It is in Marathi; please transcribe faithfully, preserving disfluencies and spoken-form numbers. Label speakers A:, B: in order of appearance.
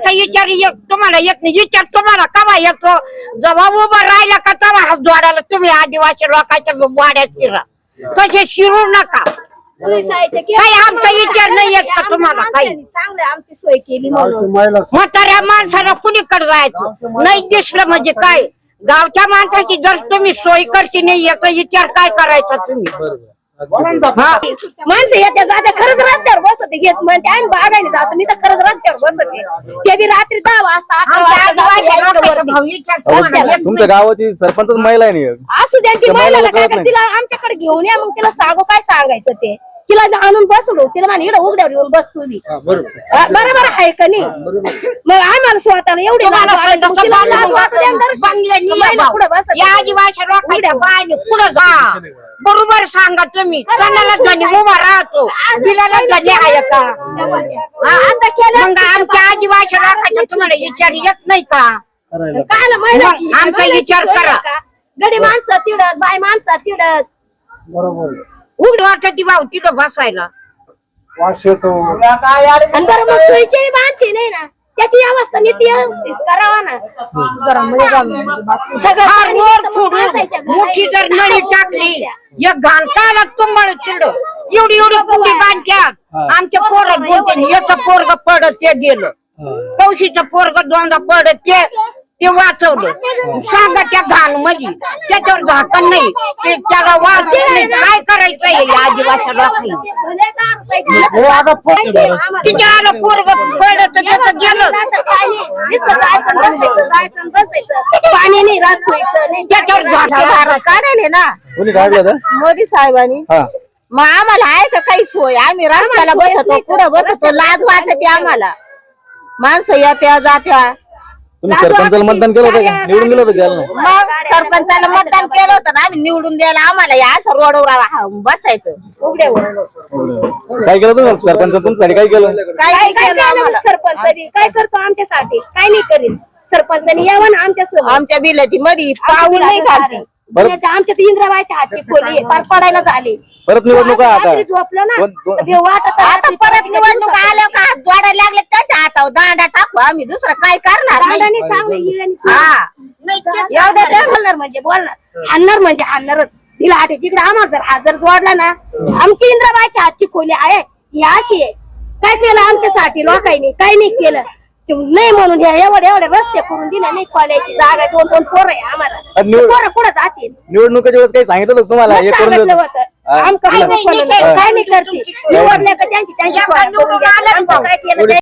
A: आमचा विचार एक तुम्हाला येत नाही, विचार तुम्हाला कवा येतो जेव्हा उभा राहिला का तेव्हा हात जोडायला तुम्ही आदिवासी लोकांच्या वाड्यात शिरा, तसे शिरू नका. काही आमचा विचार नाही येत का तुम्हाला? काही
B: चांगलं आमची सोय केली म्हणून
A: म्हाताऱ्या माणसाला कुणीकडे जायचं नाही दिसलं म्हणजे काय? गावच्या माणसाची जर तुम्ही सोय करते नाही याचा विचार काय करायचा तुम्ही?
B: माणसं येत्या जात्या खरंच रस्त्यावर बसते घेत म्हणते आम्ही बागायला जातो, मी तर खरंच रस्त्यावर बसते, ते बी रात्री दहा वाजता अकरा वाजता.
C: तुमच्या गावाची सरपंच महिला आहे नाही?
B: असू द्या ती महिलाला काय कर, तिला आमच्याकडे घेऊन या, मग तिला सांगू काय सांगायचं ते. तिला आणून बसलो, तिला म्हणे इकडे उघड्यावर येऊन बस तुम्ही, बरोबर आहे का नाही? मग आम्हाला स्वतःला एवढी
A: पुढे जा बरोबर सांगा तुम्ही. कोणाला धनी उभा राहतो, दिलाला धनी आहे का? मग आमच्या आदिवासी राखायचा तुम्हाला विचार येत नाही का? आमचा विचार करा.
B: गडी माणसं तिडत, बाय माणसं तिडत,
D: बरोबर
A: उघड वाटत भाऊ तिथं बसायला.
B: आणि बरं मग सोयीची बांधते नाही ना, त्याची अवस्था नीट व्यवस्थित करावा ना.
A: मोठी जर नळी टाकली एक घालताला तुम्हाला तिथं एवढी एवढी कुंडी बांधत्यात. आमच्या पोरं बोलते याचं पोरग पडत ते गेलं, कौशीचं पोरग दोनदा पडत ते ते वाचवलं. सांगा त्या घाण मध्ये त्याच्यावर झाकण नाही, ते त्याला वाचत नाही. काय करायचंय आदिवासी लोकांनी? तिच्या आलं पोरग पडत त्याचं गेलं,
B: पाणी नाही राहत नाही,
A: त्याच्यावर झाकण
E: काढले ना
C: कोणी काढलं?
E: मोदी साहेबांनी. मग आम्हाला आहे का काही सोय? आम्ही रस्त्याला बसतो, पुढे बसतो, लाज वाटते आम्हाला. माणसं येत्या जात्या.
C: तुम्ही सरपंचाला मतदान केलं होतं का? निवडून दिलं होतं त्याला?
E: मग सरपंचाला मतदान केलं होतं ना आम्ही, निवडून द्यायला आम्हाला या असं रोडवर बसायचं उघड्यावर.
C: काय केलं तुम्ही सरपंच तुमच्यासाठी? काय केलं?
B: काय काय केलं आम्हाला सरपंच बी? काय करतो आमच्यासाठी? काय नाही करीन. सरपंचाने यावं ना आमच्या सोबत.
E: आमच्या बिलटी मध्ये पाऊल नाही घालते.
B: आमच्या इंद्राबाईच्या हातची खोली पार पडायला झाली.
C: परत निवडणुका आता
B: झोपलं ना वाटत
E: आता परत निवडणूक आल्या का हात जोडायला लागले त्याच्या हातावर दांडा टाकू आम्ही, दुसरं काय करणार नाही.
B: बोलणार म्हणजे बोलणार, हाणणार म्हणजे हाणणारच. तिला आठ तिकडे आम्हाला जर हात जर जोडला ना, आमची इंद्राबाईच्या हातची खोली आहे ही अशी आहे. काय केलं आमच्यासाठी लोकांनी? काही नाही केलं नाही म्हणून एवढे एवढे रस्ते करून दिले नाही, खोल्याची जागा दोन दोन पोरं आहे आम्हाला. पोरं कुठं जातील?
C: निवडणुकीच्या वेळेस काही सांगितलं होतं तुम्हाला? हे करून
B: सांगितलं होतं आमचं काय नाही करते, निवडले का त्यांची त्यांची सोय करून द्या. आमचं काय केलं